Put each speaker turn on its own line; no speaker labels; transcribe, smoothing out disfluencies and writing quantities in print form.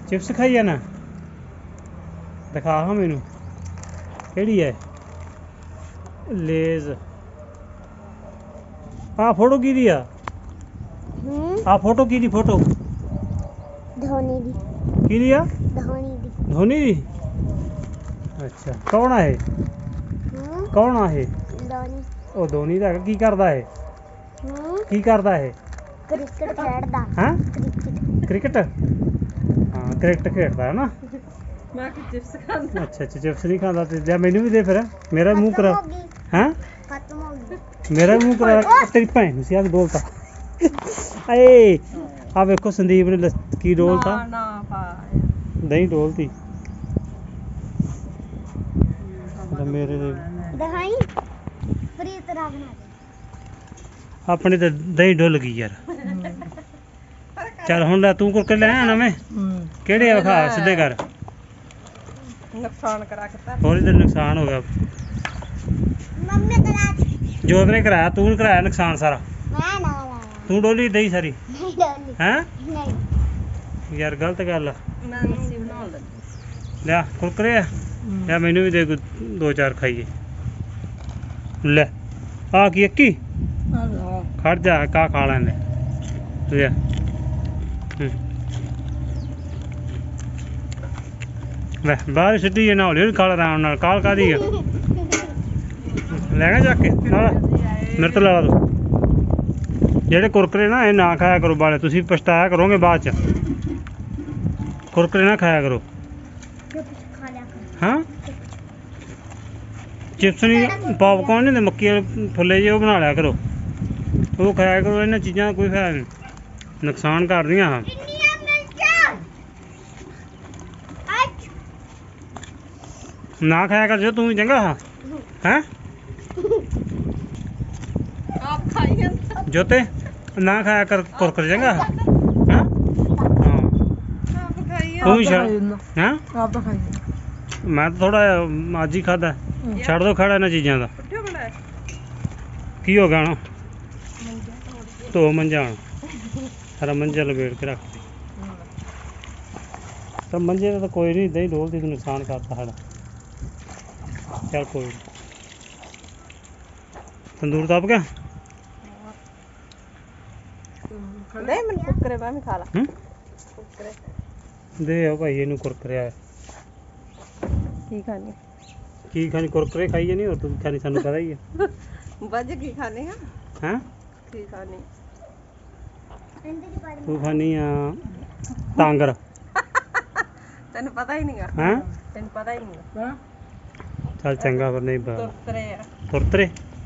Chips खाई जाना दिखा हाँ मैनू केड़ी है लेज हाँ फोटो की आ हाँ फोटो की फोटो
धोनी दी
की आ
धोनी दी
धोनी दी अच्छा कौन है कौन है
धोनी
ਉਹ ਧੋਨੀ ਦਾ ਕੀ ਕਰਦਾ ਹੈ ਕੀ ਕਰਦਾ ਹੈ
क्रिकेट खेलदा
ਹਾਂ
क्रिकेट
ਕ੍ਰਿਕਟ ਹਾਂ ਕ੍ਰਿਕਟ ਖੇਡਦਾ ਹੈ ਨਾ
ਮੈਂ ਕਿ ਚਿਪਸ ਖਾਂਦਾ
ਅੱਛਾ ਅੱਛਾ ਚਿਪਸ ਨਹੀਂ ਖਾਂਦਾ ਤੇ ਲੈ ਮੈਨੂੰ ਵੀ ਦੇ ਫਿਰ ਮੇਰਾ ਮੂੰਹ ਕਰਾ ਹਾਂ
खत्म हो गई
ਮੇਰਾ ਮੂੰਹ ਕਰਾ ਤੇਰੀ ਭੈਣ ਨੂੰ ਸਿਆਦ ਬੋਲਤਾ ਏ ਆ ਵੇਖੋ ਸੰਦੀਪ ਨੇ ਕੀ ਡੋਲਤਾ
ਨਾ ਪਾ
ਦਹੀਂ ਡੋਲਤੀ ਮੇਰੇ ਦੇ
दहाई फ्री तरह बना दे
ਆਪਣੇ ਤੇ ਦਹੀਂ ਡੁੱਲ ਗਈ ਯਾਰ ਚੱਲ ਹੁਣ ਲੈ ਤੂੰ ਕੁਰਕਰੇ ਲੈ ਆਣਾ ਮੈਂ ਕਿਹੜੇ ਆ ਵਿਖਾ ਸਿੱਧੇ ਕਰ
ਨੁਕਸਾਨ ਕਰਾ ਕੇ ਤਾਂ
ਹੋਰ ਇਹਦਾ ਨੁਕਸਾਨ ਹੋ ਗਿਆ
मम्मी करा
ਜੋਤ ਨੇ ਕਰਾਇਆ ਤੂੰ ਨੀ ਕਰਾਇਆ ਨੁਕਸਾਨ ਸਾਰਾ
मैं ना
ਤੂੰ ਡੋਲੀ ਦਹੀਂ ਸਾਰੀ
नहीं डाली
ਹੈਂ
नहीं
ਯਾਰ ਗਲਤ ਗੱਲ ਆ
ਮੈਂ ਮਿਕਸੀ ਬਣਾਉਣ ਲੱਗੀ
ਲਿਆ ਕੁਰਕਰੇ ਆ ਲਿਆ ਮੈਨੂੰ ਵੀ ਦੇ ਕੋਈ ਦੋ ਚਾਰ ਖਾਈਏ ਲੈ ਆ ਕੀ ਇੱਕੀ ਖੜ ਜਾ ਕਾ ਖਾ ਲੈਂਦੇ ਲਿਆ ਲੈ ਬਾਹਰ ਸਿੱਟੀ ਜੇ ਨਾ ਹੌਲੀ ਖਾ ਲੈ ਆਰਾਮ ਨਾਲ ਕਾਲ ਕਾਦੀ ਆ ਲੈਣਾ ਜਾ ਕੇ ਨਾਲ ਮੇਰੇ ਤੋਂ ਲਾ ਦੋ ਜਿਹੜੇ ਕੁਰਕਰੇ ਨਾ ਇਹ ਨਾ ਖਾਇਆ ਕਰੋ ਬਾਲੇ ਤੁਸੀਂ ਪਛਤਾਇਆ ਕਰੋਗੇ ਬਾਅਦ ਚ ਕੁਰਕਰੇ ਨਾ ਖਾਇਆ ਕਰੋ
खा लिया कर
ਹਾਂ ਚਿਪਸ ਨਹੀਂ ਪੌਪਕੌਰਨ ਨਹੀਂ ਹੁੰਦੇ ਮੱਕੀ ਵਾਲੇ ਫੁੱਲੇ ਜਿਹੇ ਉਹ ਬਣਾ ਲਿਆ ਕਰੋ ਉਹ ਖਾਇਆ ਕਰੋ ਇਹਨਾਂ ਚੀਜ਼ਾਂ ਦਾ ਕੋਈ ਫਾਇਦਾ ਨਹੀਂ ਨੁਕਸਾਨ ਕਰਦੀਆਂ ਹਾਂ
इंडिया मिर्चा आज
ਨਾ ਖਾਇਆ ਕਰ ਜੋ ਤੂੰ ਵੀ ਚੰਗਾ ਹਾਂ ਹੈਂ
ਆਪ ਖਾਈ ਜਾਂਦਾ
ਜੋਤੇ ਨਾ ਖਾਇਆ ਕਰ ਕੁਰਕਰੇ ਚੰਗਾ ਹਾਂ ਹਾਂ
ਆਪ ਖਾਈ
ਤੂੰ ਵੀ ਛੱਡ ਹੈਂ
ਆਪ ਖਾਈ
ਮੈਂ ਤਾਂ ਥੋੜਾ ਅੱਜ ਹੀ ਖਾਦਾ ਛੱਡ ਦੋ ਖੜਾ ਇਹਨਾਂ ਚੀਜ਼ਾਂ ਦਾ
ਪੁੱਠੇ ਬਣਾਏ
ਕੀ ਹੋ ਗਿਆ ਹੁਣ ਧੋ ਮੰਜਾ ਹੁਣ ਸਾਰਾ ਮੰਜਾ ਲਪੇਟ ਕੇ ਰੱਖ ਦੇ ਤਾਂ ਮੰਜੇ ਦਾ ਤਾਂ ਕੋਈ ਨਹੀਂ ਦਹੀਂ ਡੋਲਦੀ ਤੂੰ ਨੁਕਸਾਨ ਕਰਤਾ ਸਾਡਾ ਚੱਲ ਕੋਈ ਨੀ। ਤੰਦੂਰ ਤਪ ਗਿਆ
ਨਹੀਂ ਮੈਨੂੰ ਕੁੱਕਰੇ ਮੈਂ ਵੀ ਖਾ ਲਾ
ਹੂੰ
ਕੁੱਕਰੇ
ਦੇ ਆ ਭਾਈ ਇਹਨੂੰ ਕੁਰਕਰੇ ਆ
ਕੀ ਖਾਣੀ
ਕੀ ਖਾਣੀ ਕੁਰਕਰੇ ਖਾਈਏ ਨਹੀਂ ਹੋਰ ਤੂੰ ਕੀ ਖਾਣੀ ਸਾਨੂੰ ਪਤਾ ਹੀ ਹੈ
ਵੱਜ ਕੀ ਖਾਣੇ ਆ
ਹੈਂ
ਕੀ ਖਾਣੀ
अंदर ही पड़
ਤੂੰ ਖਾਣੀ ਆ ਟਾਂਗਰ
ਤੈਨੂੰ ਪਤਾ ਹੀ ਨਹੀਂਗਾ
ਹੈਂ
ਤੈਨੂੰ ਪਤਾ ਹੀ ਨਹੀਂਗਾ
ਚੱਲ ਚੰਗਾ ਫਿਰ ਨਹੀਂ ਪਤਾ
ਕੁੱਕਰੇ ਆ
ਤੁਰਤਰੇ